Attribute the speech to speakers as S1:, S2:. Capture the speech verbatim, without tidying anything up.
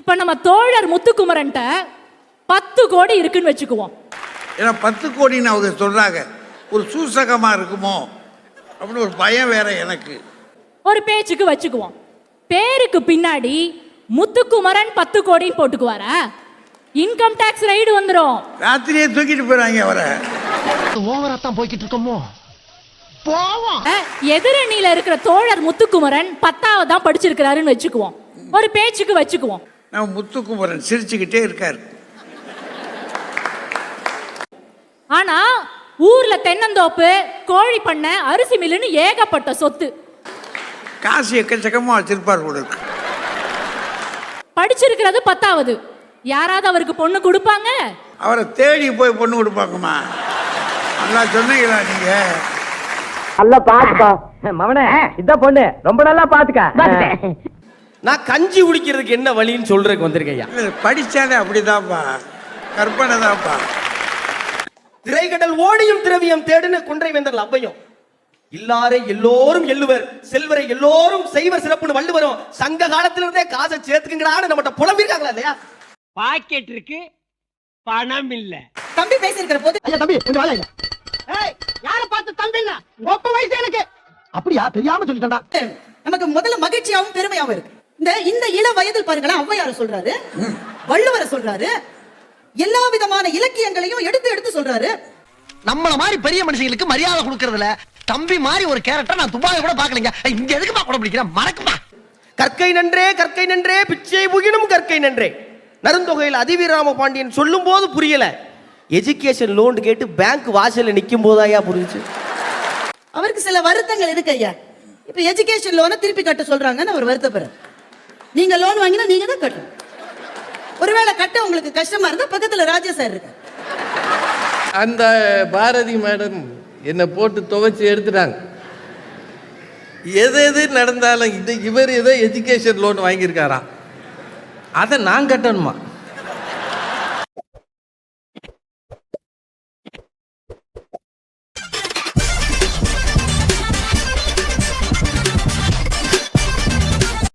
S1: இப்ப நம்ம தோழர் முத்துக்குமரன்ட்ட பத்து கோடி இருக்குன்னு வச்சுக்குவோம்.
S2: ஏன்னா பத்து கோடின்னு அவங்க சொல்றாங்க, ஒரு சூசகமா இருக்குமோ அப்படின்னு ஒரு பயம் வேற எனக்கு.
S1: ஒரு பேச்சுக்கு வச்சுக்குவோம். பேருக்கு பின்னாடி முத்துக்குமரன் பத்து கோடின்னு போட்டுக்குவாரா? இன்கம் டாக்ஸ் ரைடு வந்துரும்.
S2: ராத்திரியே தூக்கிட்டு போறாங்க அவரை.
S3: ஓவரா தான் போய்கிட்டு இருக்கோமோ. போவோம்.
S1: எதிரணியில இருக்கிற தோழர் முத்துக்குமரன் பத்தாவது தான் படிச்சிருக்கிறாருன்னு வச்சுக்குவோம். ஒரு பேச்சுக்கு வச்சுக்குவோம்.
S2: நம்ம முத்துக்குமரன் சிரிச்சுக்கிட்டே இருக்காரு.
S1: ஆனா ஊர்ல தென்னந்தோப்பு, கோழி பண்ணை, அரிசி மில்லுன்னு ஏகப்பட்ட சொத்து.
S2: காசு எக்கச்சக்கமா வச்சிருப்பார் கூட இருக்கு.
S1: படிச்சிருக்கிறது பத்தாவது. யாராவது அவருக்கு பொண்ணு கொடுப்பாங்க?
S2: அவரை தேடி போய் பொண்ணு கொடுப்பாங்கம்மா. நல்லா சொன்னீங்களா நீங்க?
S4: நல்லா பாத்துக்கோ மவனே, இதான் பொண்ணு ரொம்ப நல்லா பாத்துக்க.
S5: நான் கஞ்சி குடிக்கிறதுக்கு என்ன வழின்னு சொல்றதுக்கு வந்திருக்கையா.
S2: படிச்சாலே அப்படிதான்ப்பா, கற்பனை தான்ப்பா.
S5: திரைக்கடல் ஓடியும் திரவியம் தேடுன்னு குன்றை வேந்தர் அவ்வையும், இல்லாரை எல்லோரும் எள்ளுவர், செல்வரை எல்லோரும் செய்வர் சிறப்புன்னு வள்ளுவரும் சங்க காலத்துல இருந்தே காசை சேர்த்துக்குங்கடான்னு நம்மகிட்ட புலம்பிருக்காங்களா இல்லையா?
S4: பாக்கெட் இருக்கு, பணம் இல்ல.
S6: தம்பி பேசிருக்கிற போது
S3: ஐயா தம்பி கொஞ்சம் வாங்க. ஏய் யார பார்த்து தம்பின்னா ஒப்ப வயசு எனக்கு. அப்படியா தெரியாம சொல்லிட்டேன்டா.
S6: நமக்கு முதல்ல மகிழ்ச்சியாவும் பெருமையாவும் இருக்கு. இந்த இந்த இள வயதில் பாருங்களேன், ஔவையார் சொல்றாரு, வள்ளுவரை சொல்றாரு, எல்லா விதமான இலக்கியங்களையும் எடுத்து எடுத்து சொல்றாரு.
S3: நம்மள மாதிரி பெரிய மனுஷங்களுக்கு மரியாதை கொடுக்கறதுல தம்பி மாதிரி ஒரு கேரக்டர் நான் துபாயில கூட பாக்கலங்க. இங்க எதுக்குமா கூட பிடிக்கிறேன், மறக்குமா.
S5: கற்கை நன்றே கற்கை நன்றே பிச்சை புகினும் கற்கை நன்றே. நருந்தொகையில் அதிவீராம பாண்டியன் சொல்லும் போது புரியல, எஜுகேஷன் லோன் கேட்டு பேங்க் வாசல்ல நிக்கும் போதாயா புரிஞ்சு.
S6: அவருக்கு சில வருத்தங்கள் இருக்கு ஐயா. இப்ப எஜுகேஷன் லோனை திருப்பி கட்ட சொல்றாங்கன்னு அவர் வருத்தப்படுற. நீங்க லோன் வாங்கினா நீங்க தான் கட்டணும். ஒருவேளை கட்ட உங்களுக்கு கஷ்டமா இருந்தா பக்கத்துல ராஜா சார் இருக்கு.
S7: அந்த பாரதி மேடம் என்னை போட்டு துவைச்சு எடுத்துட்டாங்க. எது எது நடந்தாலும் இது இவர் ஏதோ எஜுகேஷன் லோன் வாங்கியிருக்காரா, அதை நான் கட்டணுமா?